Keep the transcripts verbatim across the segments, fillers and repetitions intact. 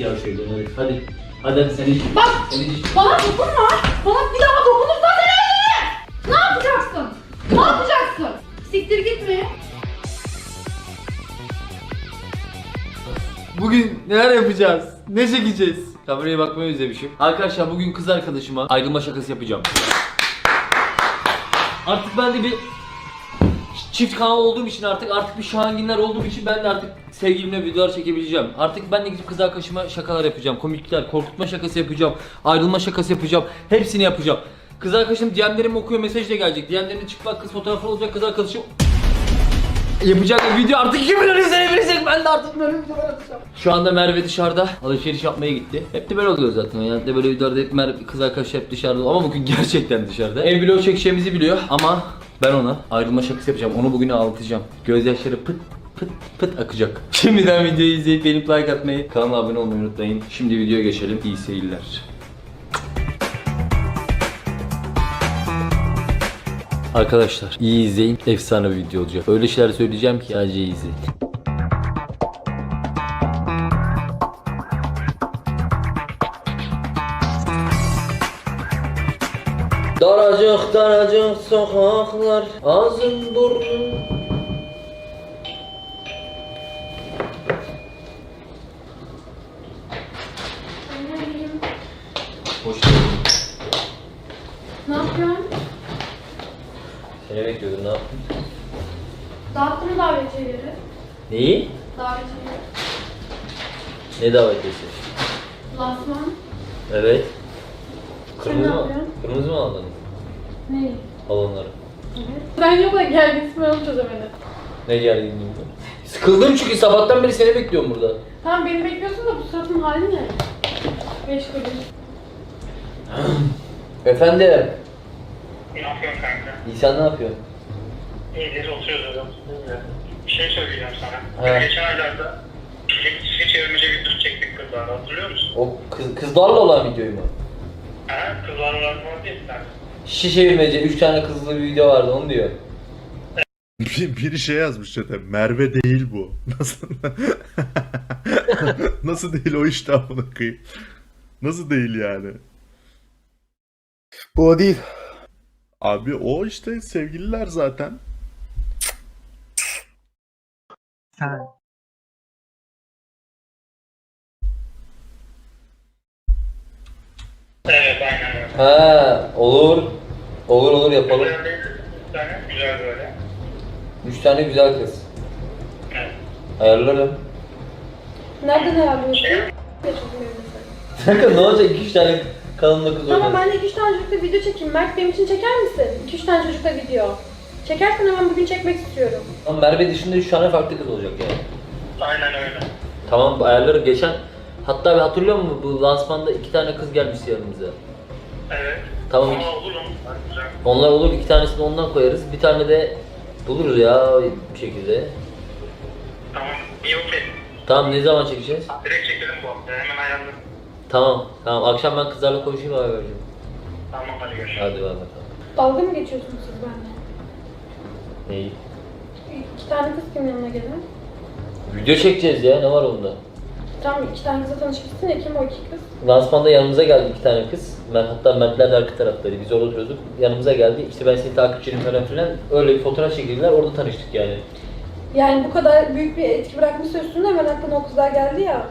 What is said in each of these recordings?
ya şöyle hadi. Hadi. Hadi sen iç. Bak! Sen iç. Bana dokunma! Bana bir daha dokunursan seni öldürürüm! Ne yapacaksın? Ne yapacaksın? Siktir gitme. Bugün neler yapacağız? Ne çekeceğiz? Kameraya bakmayı özlemişim. Arkadaşlar bugün kız arkadaşıma ayrılma şakası yapacağım. Artık ben de bir çift kanal olduğum için artık artık bir Şahanginler olduğum için ben de artık sevgilimle videolar çekebileceğim. Artık ben de gidip kız arkadaşıma şakalar yapacağım. Komiklikler, korkutma şakası yapacağım. Ayrılma şakası yapacağım. Hepsini yapacağım. Kız arkadaşım D M'lerimi okuyor, mesaj da gelecek. D M'lerinde çıplak kız fotoğrafı olacak, kız arkadaşım yapacak bir video artık iki milyon izlenebilecek. Ben de artık böyle videolar atacağım. Şu anda Merve dışarıda alışveriş yapmaya gitti. Hep de böyle oluyor zaten. Yani de böyle videolarda hep Merve kız arkadaş hep dışarıda ama bugün gerçekten dışarıda. Ev vlog çekeceğimizi biliyor ama ben ona ayrılma şakası yapacağım. Onu bugün ağlatacağım. Gözyaşları pıt pıt pıt akacak. Şimdiden videoyu izleyip beğenip like atmayı, kanala abone olmayı unutmayın. Şimdi videoya geçelim. İyi seyirler. Arkadaşlar iyi izleyin, efsane bir video olacak. Öyle şeyler söyleyeceğim ki sadece iyi izleyin. Daracık daracık sokaklar, ağzım burnum. Hoş geldin. Ne yapıyorsun? Seni bekliyordum, ne yaptın? Dağıttın mı davetiyeleri? Neyi? Davetiyeleri. Ne davetiyesi? Lansman. Evet. Sen Kırmızı ne mı? yapıyorsun? Kırmızı mı aldın? Ne? Balonları. Evet. Ben yok da geldi ismi onu çözemedim. Ne gerginliğin bu? Sıkıldım çünkü sabahtan beri seni bekliyorum burada. Tamam beni bekliyorsun da bu suratın hali ne? Beş kuruş. Efendim? Ne yapıyorsun kanka? İhsan ne yapıyor? İyidir, oturuyoruz öyle. Bir şey söyleyeceğim sana. Evet. Geçen aylarda şişe çevirmece bir düz çektik kızlarla, hatırlıyor musun? O kız, kızlarla olan videoyu mu? Ha, kızlarla olan var diye bir tane. Şişe çevirmece üç tane kızlı bir video vardı onu diyor. Bir, biri şey yazmış zaten. Merve değil bu. Nasıl? Nasıl değil o işte amına koyayım. Nasıl değil yani? Bu o değil. Abi o işte sevgililer zaten. Sen. Evet, aynen öyle. Ha olur. Olur olur yapalım. Güzel değil, bir tane güzel böyle. Üç tane güzel kız. Evet. Ayarlarım. Nereden ayarlıyorsun? Şey, Kanka ne olacak iki üç tane kalınlı kız Tamam oynasın. ben de iki üç tane çocukla video çekeyim. Mert benim için çeker misin? iki üç tane çocukla video. Çekersen hemen bugün çekmek istiyorum. Ama Merve dışında üç tane farklı kız olacak yani. aynen öyle. Tamam ayarlarım. Geçen hatta bir hatırlıyor musun bu lansmanda iki tane kız gelmişti yanımıza. Evet. Tamam. Ama olur mu? Güzel. Onlar olur, iki tanesini ondan koyarız. Bir tane de buluruz ya bir şekilde. Tamam, iyi okey. Tamam ne zaman çekeceğiz? Direkt çekelim bu hafta, hemen ayarladım. Tamam. Tamam akşam ben kızlarla konuşayım haber vereceğim. Tamam, hadi görüşürüz. Hadi bay bakalım. Dalga mı geçiyorsunuz siz benimle? Neyi? İki tane kız kim yanına gelen? Video çekeceğiz ya ne var onda? Tamam iki tane kızla tanışmışsın ya kim o iki kız? Lansmanda yanımıza geldi iki tane kız. Ben hatta Mertler de arka taraftaydı. Biz orada oturuyorduk. Yanımıza geldi. İşte ben senin takipçinim falan filan. Öyle bir fotoğraf çekildiler. Orada tanıştık yani. Yani bu kadar büyük bir etki bırakmışsa üstünde hemen aklına o kızlar geldi ya.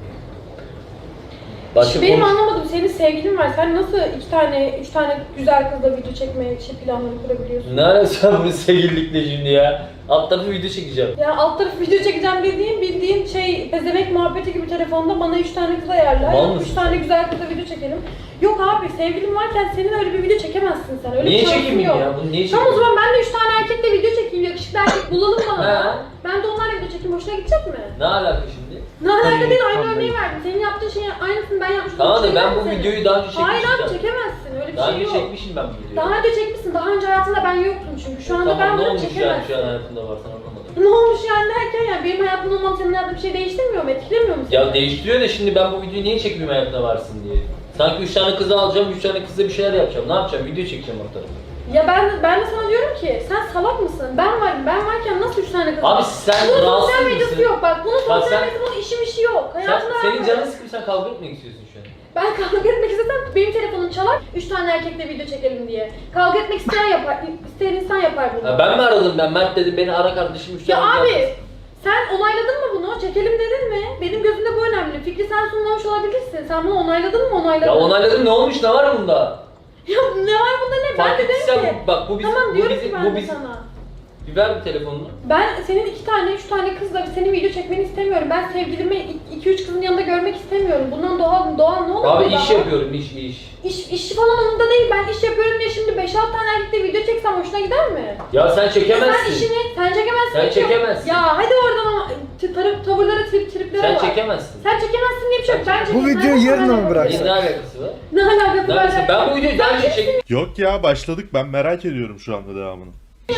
Başka Benim konuş- anlamadım senin sevgilin var. Sen nasıl iki tane, üç tane güzel kızla video çekmeye şey planları kurabiliyorsun? Ne alakası var bunun sevgililikle şimdi ya? Alt tarafı video çekeceğim. Ya alt tarafı video çekeceğim dediğin bildiğin şey pezevenk muhabbeti gibi telefonda bana üç tane kız ayarla. Mal Üç mısın tane sen? güzel kızla video çekelim. Yok abi sevgilin varken senin öyle bir video çekemezsin sen. Öyle Niye bir şansın çekeyim yok. ya? Bunu niye Tamam o çekeyim? zaman ben de üç tane erkekle video çekeyim. Yakışıklı erkek bulalım bana. He. Ben de onlarla video çekeyim. Hoşuna gidecek mi? Ne alaka şimdi? Ne alaka Hayır, değil aynı tamam. örneği verdim. Senin yaptığın şeyin aynısını ben yapmıştım. Tamam da Hiç ben bu çekemezsin. videoyu daha önce çekmiştim. Hayır abi zaten. çekemezsin. Öyle bir Daha şey önce yok. çekmişim ben bu videoyu. Daha önce çekmişsin. Daha önce hayatında ben yoktum çünkü. Şu anda Tamam, ben ne bunu olmuş yani çekemezsin. şu an hayatımda var sen anlamadın. Ne olmuş yani derken yani benim hayatımda olmam senin hayatında bir şey değiştirmiyor mu? Etkilemiyor mu seni? Ya değiştiriyor da şimdi ben bu videoyu niye çekmeyeyim hayatımda varsın diye. Sanki üç tane kızı alacağım, üç tane kızla bir şeyler yapacağım. Ne yapacağım? Video çekeceğim o tarafa. Ya ben ben de sana diyorum ki sen salak mısın? Ben varım. Ben varken nasıl üç tane kız? Abi sen bunun rahatsız sosyal medyası mısın? yok. Bak bunun Bak sosyal sen- medyası bunun işim işi yok. Sen, Hayatında senin var. canın sıkıp sen kavga etmek istiyorsun şu an. Ben kavga etmek istesem benim telefonum çalar. Üç tane erkekle video çekelim diye. Kavga etmek isteyen yapar. İsteyen insan yapar bunu. Ha, ben mi aradım ben? Mert dedim beni ara kardeşim üç Ya tane abi gelsin. sen onayladın mı bunu? Çekelim dedin mi? Benim gözümde bu önemli. Fikri sen sunmamış olabilirsin. Sen bunu onayladın mı? Onayladın. Ya onayladım ne olmuş ne var bunda? Ya ne var bunda ne? Ben Fark de dedim ettiysen ki. bu- bak bu bizim, Tamam bu diyorum bizim, ki ben bu de bizim. sana. Bir ver bir telefonunu. Ben senin iki tane, üç tane kızla senin video çekmeni istemiyorum. Ben sevgilimi iki üç kızın yanında görmek istemiyorum. Bundan doğal, doğal ne olur? Abi burada? iş yapıyorum iş iş. İş, iş falan umurumda değil. Ben iş yapıyorum diye şimdi beş altı tane erkekle video çeksem hoşuna gider mi? Ya sen çekemezsin. Sen işini, sen çekemezsin. Sen diyor. çekemezsin. Ya hadi oradan ama t- tarıp, tavırlara, trip, triplere Sen bak. çekemezsin. Sen çekemezsin diye bir şey yok. Ben Bu çekeyim. videoyu Ben yarına yapamam. mı bıraksın? Ne alakası var? Ne alakası Ne var? alakası? Ben bu videoyu daha önce çektim. Yok ya başladık ben merak ediyorum şu anda devamını.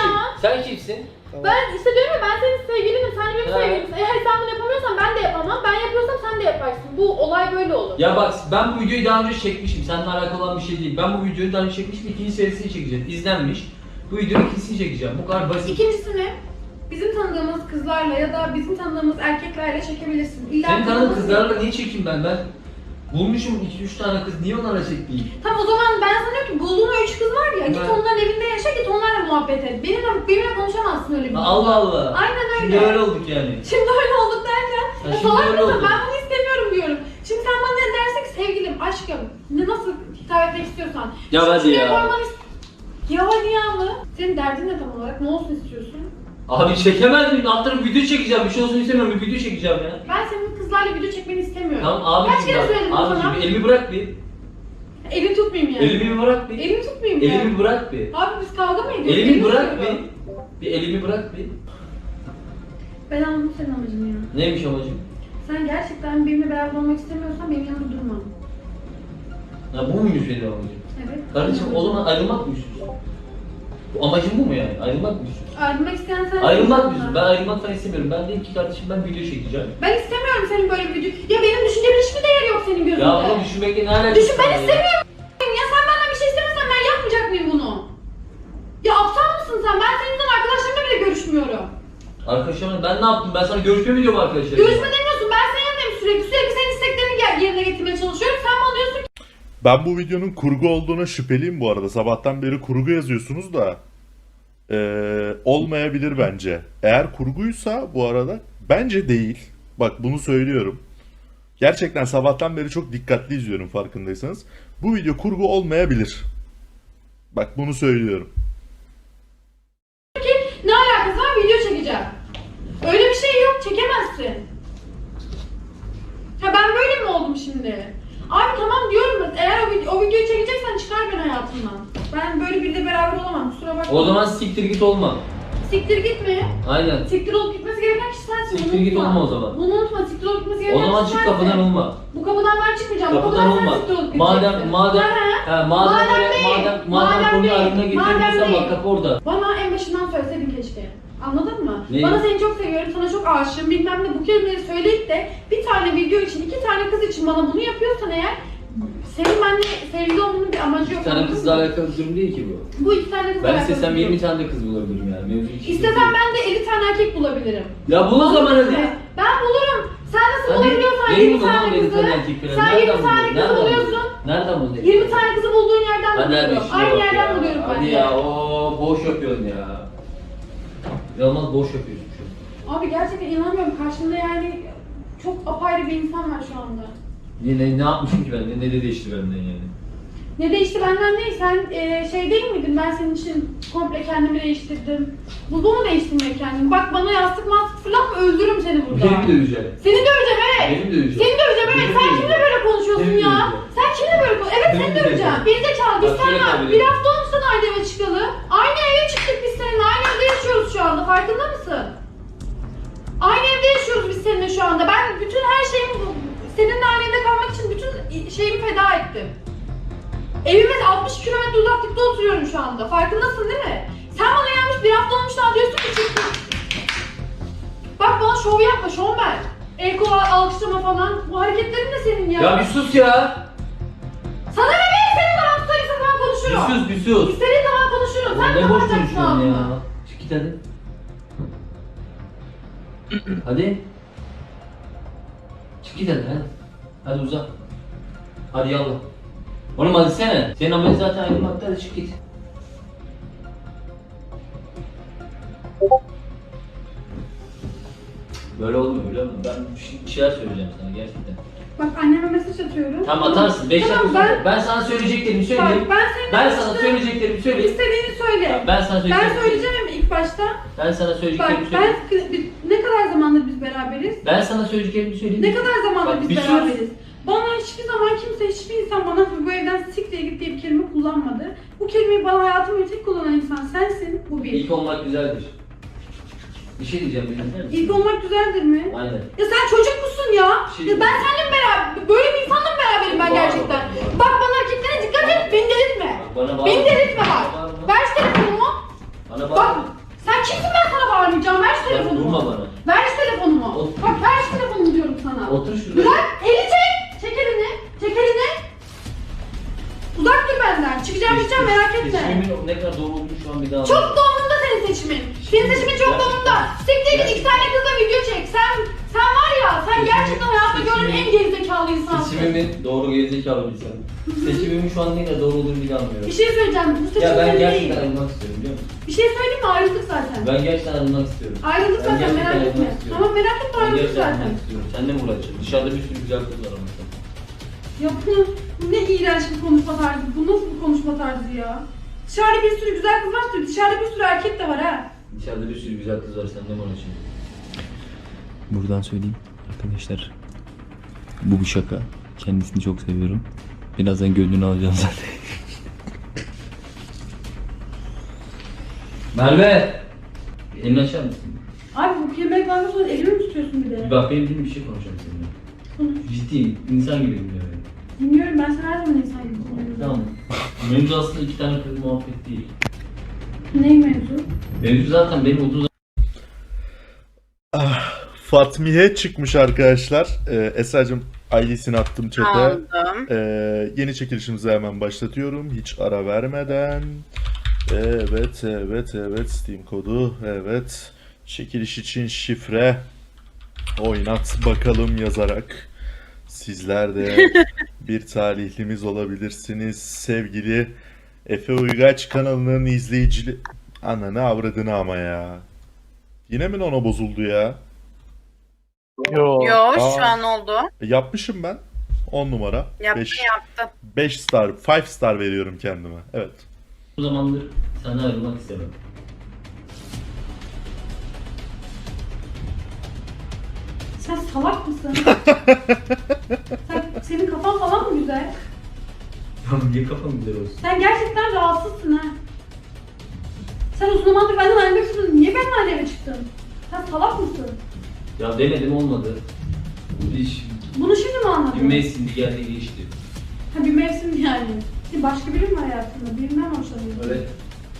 Sen kimsin? Ben işte diyorum ya ben senin sevgilinim, sen de benim Ha. sevgilimsin. Eğer sen bunu yapamıyorsan ben de yapamam. Ben yapıyorsam sen de yaparsın. Bu olay böyle olur. Ya bak ben bu videoyu daha önce çekmişim. Seninle alakalı olan bir şey değil. Ben bu videoyu daha önce çekmişim. İkinci serisini çekeceğim. İzlenmiş. Bu videonun ikincisini çekeceğim. Bu kadar basit. İkincisini bizim tanıdığımız kızlarla ya da bizim tanıdığımız erkeklerle çekebilirsin. İlla Senin tanıdığın tanıdığımız- kızlarla niye çekeyim ben? Ben bulmuşum iki üç tane kız. Niye onlarla çekmeyeyim? Tamam o zaman ben sana diyorum ki bulduğun o üç kız var ya, git Ben- onların evinde yaşa, git onlarla muhabbet et. Benimle, benimle konuşamazsın öyle bir Ha, şey. Allah Allah. Aynen öyle. Şimdi öyle olduk yani. Şimdi öyle olduk derken, Ha, ya şimdi salak öyle mısın? olduk. Ben bunu istemiyorum diyorum. Şimdi sen bana ne dersin ki sevgilim, aşkım, ne nasıl hitap etmek istiyorsan. Ya Şimdi hadi şunu ya. yapman ist- Ya hadi ya mı? Senin derdin ne tam olarak? Ne olsun istiyorsun? Abi çekemez miyim? Alt tarafı video çekeceğim. Bir şey olsun istemiyorum. Bir video çekeceğim ya. Ben senin kızlarla video çekmeni istemiyorum. Tamam abicim Kaç kere bak. söyledim sana? Abicim bir elimi bırak bir. Elini tutmayayım yani. Elimi bir bırak bir. Elimi tutmayayım ya. Elimi bırak bir. Abi biz kavga mı ediyoruz? Elimi bırak tutuyorum. bir. Bir elimi bırak bir. Ben anladım senin amacını ya. Neymiş amacım? Sen gerçekten benimle beraber olmak istemiyorsan benim yanımda durma. Ya bu muymuş benim amacım? Evet. Kardeşim o zaman ayrılmak mı istiyorsun? Bu amacın bu mu yani? Ayrılmak mı istiyorsun? Ayrılmak isteyen sen Ayrılmak mı istiyorsun? Ben ayrılmak falan istemiyorum. Ben dedim ki kardeşim ben video çekeceğim. Ben istemiyorum senin böyle bir video. Ya benim düşüncemin hiçbir değeri yok senin gözünde. Ya bunu düşünmekle ne alakası Düşün, ben var ya? istemiyorum. Ya sen benden bir şey istemezsen ben yapmayacak mıyım bunu? Ya aptal mısın sen? Ben seninle arkadaşlarımla bile görüşmüyorum. Arkadaşlarım ben ne yaptım? Ben sana görüşme mi diyorum arkadaşlar? Görüşme demiyorsun. Ben senin yanındayım sürekli. Sürekli senin isteklerini gel- yerine getirmeye çalışıyorum. Sen bana diyorsun ki Ben bu videonun kurgu olduğuna şüpheliyim bu arada. Sabahtan beri kurgu yazıyorsunuz da. Ee, olmayabilir bence. Eğer kurguysa bu arada bence değil. Bak bunu söylüyorum. Gerçekten sabahtan beri çok dikkatli izliyorum farkındaysanız. Bu video kurgu olmayabilir. Bak bunu söylüyorum. ki ne alakası var, video çekeceğim. Öyle bir şey yok. Çekemezsin. Ha ben böyle mi oldum şimdi? Abi tamam diyorum da eğer o, vid- o videoyu çekeceksen çıkar beni hayatımdan. Ben böyle biriyle beraber olamam, kusura bakma. O zaman siktir git olma. Siktir gitme. Aynen. Siktir olup gitmesi gereken kişi sensin. Siktir bunu git unutma. olma o zaman. Bunu unutma, siktir olup gitmesi O gereken zaman kişi çık sensin. kapıdan olma. Bu kapıdan ben çıkmayacağım. Bu Kapıdan kapıdan olma. sen siktir olup Madem gideceksin. madem Ha, ha. he, madem Madem öyle değil. madem madem Madem konuyu değil. aklına Madem getirdiysen değil. bak kapı orada. Bana en başından söyleseydin keşke. Anladın mı? Neyi? Bana seni çok seviyorum, sana çok aşığım bilmem ne bu kelimeleri söyleyip de bir tane video için, iki tane kız için bana bunu yapıyorsan eğer senin benimle sevgili olmanın bir amacı yok. Bir tane anladın kızla mı? alakalı bir durum değil ki bu. Bu iki tane kızla Ben alakalı istesem bir durum. yirmi tane de kız bulabilirim yani. Mevzu hiç İstesem ben de elli tane erkek bulabilirim. Ya bul o zaman hadi. Ben bulurum. Sen nasıl Hadi. bulabiliyorsan Neyi yirmi bul tane lan yirmi kızı. tane erkek falan? Sen Nereden yirmi tane buluyorsun? kızı Nereden buluyorsun. buluyorsun? Nereden buluyorsun? yirmi tane kızı bulduğun yerden Hadi hadi buluyorum. işine Aynı bak yerden ya. buluyorum ben Hadi de. ya o boş yapıyorsun ya. Yalnız boş yapıyorsun şu an. Abi gerçekten inanamıyorum. Karşımda yani çok apayrı bir insan var şu anda. Ne, ne, ne yapmışım ki ben? Ne, ne de değişti benden yani? Ne değişti benden değil. Sen e, şey değil miydin? Ben senin için komple kendimi değiştirdim. Bu, bu mu değiştirmek kendimi? Bak bana yastık mastık fırlatma, öldürürüm seni burada. Beni döveceğim. Seni döveceğim evet. Beni döveceğim. Seni döveceğim evet. Beni Sen döveceğim. kimle böyle konuşuyorsun Seni ya? döveceğim. Sen kimle böyle konuşuyorsun? Evet Seni seni döveceğim. döveceğim. Bir zekalı. Biz Bak şöyle seninle kabul bir edeyim. hafta olmuşsun aynı eve çıkalı. Aynı eve çıktık biz seninle. Aynı evde yaşıyoruz şu anda. Farkında mısın? Aynı evde yaşıyoruz biz seninle şu anda. Ben bütün her şeyimi seninle aynı evde kalmak için bütün şeyimi feda ettim. Evime altmış kilometre uzaklıkta oturuyorum şu anda. Farkındasın değil mi? Sen bana gelmiş bir hafta olmuş daha diyorsun ki çıktın. Bak bana şov yapma, şovmen. El kol alkışlama falan. Bu hareketlerin de senin ya. Ya bir sus ya. Sana ne be? İstediğin zaman tutarım, istediğin zaman konuşurum. Bir sus bir sus. İstediğin zaman konuşurum. sen Ne boş kapatacaksın konuşuyorsun ya? ağzını. Çık git hadi. Hadi. Çık git hadi hadi. Hadi uzak. Hadi yallah. Oğlum hadi sene. Senin amacın zaten ayrılmakta, hadi çık git. Böyle olmuyor biliyor musun? Ben bir şey- bir şeyler söyleyeceğim sana gerçekten. Bak anneme mesaj atıyorum. Tamam atarsın. beş Tamam, dakika sonra. ben- Ben sana söyleyeceklerimi söyleyeyim. Bak ben senin Ben sana işte söyleyeceklerimi söyleyeyim. istediğini söyle. Tamam, ben sana Ben söyleyeceklerimi söyleyeceğim ilk başta. Ben sana Bak söyleyeceklerimi ben söyleyeyim. biz- ne kadar zamandır biz beraberiz? Ben sana söyleyeceklerimi söyleyeyim. Ne kadar zamandır Bak, biz bir sus. beraberiz? Bana hiçbir zaman kimse, hiçbir insan bana bu evden siktir git diye bir kelime kullanmadı. Bu kelimeyi bana hayatım boyunca tek kullanan insan sensin, bu bir. İlk olmak güzeldir. Bir şey diyeceğim bir dinler misin? İlk olmak güzeldir mi? Aynen. Ya sen çocuk musun ya? Şey- Ya ben seninle mi beraber, böyle bir insanla mı beraberim ben Bağırma, gerçekten? bağırma. Bak bana hareketlere dikkat et, beni delirtme. Bak, bana bağırma. Beni delirtme bak. Bana bağırma. Ver şu telefonumu. Bana Bak, bağırma. sen kimsin ben sana bağırmayacağım, ver şu Bak, telefonumu. vurma bana. Ver şu telefonumu. Otur. Bak ver şu telefonumu diyorum sana. Otur şurada. Bırak, eli çek. Çek elini, çek elini. Uzak dur benden, çıkacağım gideceğim merak etme. Seçimimin ne kadar doğru olduğunu şu an bir daha Çok anladım. da umurumda senin seçimin. Senin seçimin çok da umurumda. Siktir git iki tane kızla video çek. Sen, sen var ya, sen Seçimin- gerçekten hayatta gördüğüm en seçimin- gerizekalı insansın. Seçimimin doğru gerizekalı bir insan. Seçimimin şu an ne kadar doğru olduğunu bir daha anlıyorum. Bir şey söyleyeceğim, bu seçim Ya ben senin gerçekten değil. ayrılmak istiyorum biliyor musun? Bir şey söyleyeyim mi? Ayrıldık zaten. Ben gerçekten ayrılmak istiyorum. Ayrıldık Ben zaten, gerçekten merak etme. ayrılmak istiyorum. Tamam merak etme, Ben ayrıldık gerçekten zaten. ayrılmak istiyorum. Seninle mi uğraşacağım? Dışarıda bir sürü güzel kız var ama. Ya bu ne iğrenç bir konuşma tarzı, bu nasıl bir konuşma tarzı ya? Dışarıda bir sürü güzel kız var, dışarıda bir sürü erkek de var ha. Dışarıda bir sürü güzel kız var. Seninle mi uğraşacağım? Buradan söyleyeyim arkadaşlar. Bu bir şaka. Kendisini çok seviyorum. Birazdan gönlünü alacağım zaten. Merve! Elini açar mısın? Abi bu kelimeyi bana sonra elimi mi tutuyorsun bir de? Bak benim bildiğim bir şey konuşacağım seninle. Konuş. Ciddiyim. İnsan gibi dinliyor beni. Dinliyorum, ben sana her zaman insan gibi konuşuyorum. Tamam. Mevzu aslında iki tane kız muhabbet değil. Ney mevzu? Mevzu zaten benim otuz Ah, Fatmiye çıkmış arkadaşlar. Ee, Esra'cığım I D'sini attım chat'e. Aldım. Ee, yeni çekilişimizi hemen başlatıyorum. Hiç ara vermeden. Evet, evet, evet. Steam kodu. Evet. Çekiliş için şifre. Oynat bakalım yazarak. Sizler de bir talihlimiz olabilirsiniz. Sevgili Efe Uygaç kanalının izleyicili... Ananı avradını ama ya. Yine mi ona bozuldu ya? Yo Aa. şu an oldu. E, Yapmışım ben. on numara. Yaptı beş yaptı. beş star, beş star veriyorum kendime. Evet. zamandır senden ayrılmak istemem. Sen salak mısın? Sen, senin kafan falan mı güzel? Tamam niye kafam güzel olsun? Sen gerçekten rahatsızsın ha. Sen uzun zamandır benden ayrılmak istiyordun. Niye benimle aynı eve çıktın? Sen salak mısın? Ya denedim olmadı. Bu iş Bunu şimdi mi bir anladın? mevsimdi geldi geçti. Ha bir mevsim yani. Bir başka biri mi var hayatında? Birinden mi hoşlanıyorsun? Evet.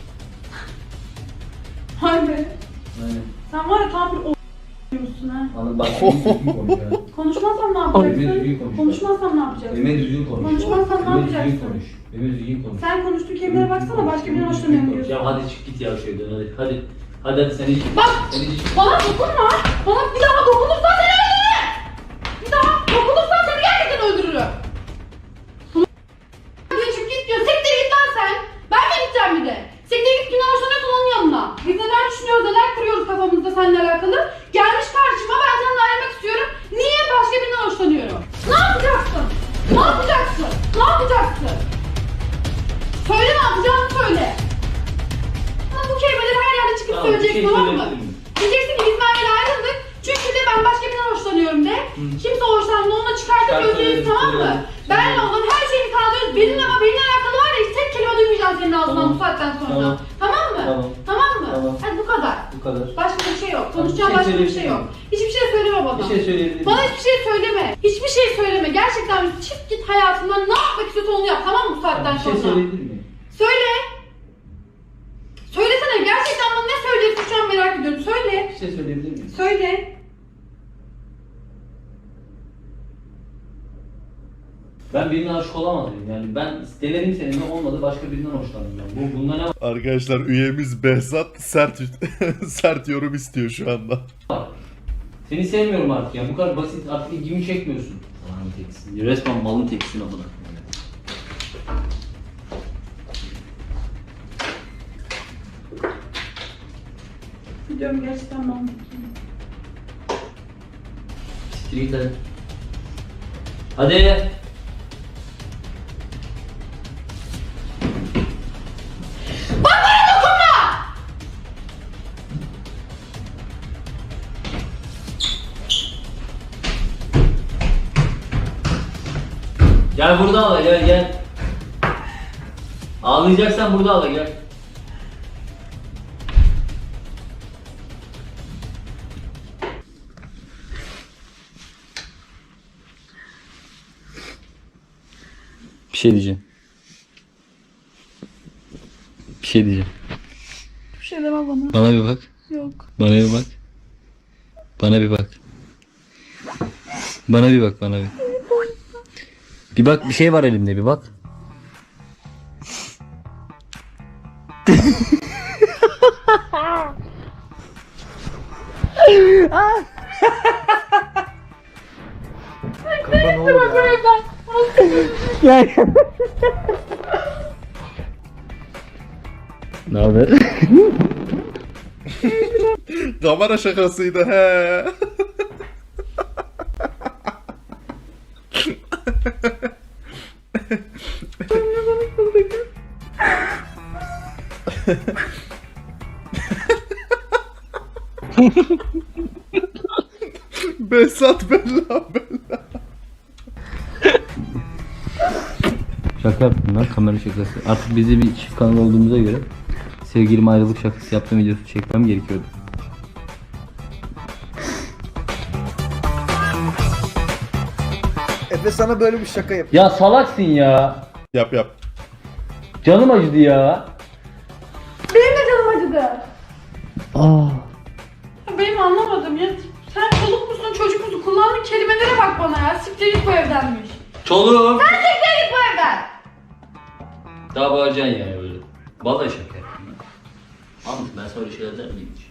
Vay be. Aynen. Sen var ya tam bir o diyorsun ha. Anladım bak düzgün konuş ya. Konuşmazsam ne Benimle düzgün yapacaksın? konuş. Konuşmazsam ne yapacaksın? Benimle düzgün konuş. Konuşmazsan ne Benimle yapacaksın? düzgün konuş. Benimle düzgün konuş. Sen konuştuğun kelimelere baksana, başka birine hoşlanıyorum diyorsun. Ya hadi çık git ya şuradan hadi. Hadi. Hadi hadi sen hiç. Bak! Sen hiç. Bana dokunma! Bana bir daha dokunursan seni öldürürüm! Bir daha dokunursan seni gerçekten öldürürüm! Geçip git diyor, siktir git lan sen! Ben mi gideceğim bir de? Siktir git, kimden hoşlanıyorsan onun yanına. Biz neler düşünüyoruz, neler kuruyoruz kafamızda seninle alakalı. Gelmiş karşıma, ben seninle ayrılmak istiyorum. Niye başka birinden hoşlanıyorum? Ne yapacaksın? Ne yapacaksın? Ne yapacaksın? Söyle, ne yapacağını söyle. Ama bu kelimeleri her yerde çıkıp Tamam, bir söyleyeceksin, şey tamam mı? söyleyebilir miyim? Diyeceksin ki biz Merve'yle ayrıldık. Çünkü de ben başka birinden hoşlanıyorum de. Hı. Kimse hoşlanmıyor, onunla çıkartıp Çıkart özleyiz, söylerim, tamam mı? söylerim. Benle Söylerim. olan her şeyi kaldırıyoruz. Benimle ama benimle alakalı var ya, hiç tek kelime duymayacağım senin ağzından Tamam. bu saatten sonra. Tamam. Tamam, mı? Tamam. Tamam mı? Tamam. Hadi bu kadar. Bu kadar. Başka bir şey yok. Tamam, Konuşacağım bir şey başka bir şey söyleyebilir yok. miyim? Hiçbir şey söyleme bana. Bir şey söyleyebilir Bana miyim? hiçbir şey söyleme. Hiçbir şey söyleme. Gerçekten çık git hayatından, ne yapmak istiyorsan onu yap, tamam mı bu saatten Bir şey sonra? söyleyebilir miyim? Söyle. Söylesene, gerçekten bana ne söyleyeceksin şu an merak ediyorum. Söyle. Bir şey söyleyebilir miyim? Söyle. Ben birinden aşık olamadım yani ben denedim seninle olmadı başka birinden hoşlandım yani. Bu bunda ne Arkadaşlar üyemiz Behzat sert sert yorum istiyor şu anda. var? Seni sevmiyorum artık ya bu kadar basit artık ilgimi çekmiyorsun. Malın teksin. Resmen malın teksin amına. Biliyorum gerçekten ben. Siktir git hadi. Hadi. Gel burada ağla gel gel. Ağlayacaksan burada ağla gel. Bir şey diyeceğim. Bir şey diyeceğim. Bir şey deme bana. Bana bir bak. Yok. Bana bir bak. Bana bir bak. Bana bir bak bana bir. Bir bak bir şey var elimde bir bak. Kanka ne olur ya. Ne haber? Kamera şakasıydı he. Behzat bella bella. Şaka yaptım lan kamera şakası. Artık bizi bir çift kanal olduğumuza göre sevgilim ayrılık şakası yaptığım videosu çekmem gerekiyordu. Efe sana böyle bir şaka yap. Ya salaksın ya. Yap yap. Canım acıdı ya. Benim de canım acıdı. Aa. Benim anlamadım ya. Sen çoluk musun çocuk musun? Kullandığın kelimelere bak bana ya. Siktir git bu evdenmiş. Çoluğum. Sen siktir git bu evden. Daha bağıracaksın yani öyle. Vallahi şaka yaptım. Anladım ben sana öyle şeyler der miyim hiç?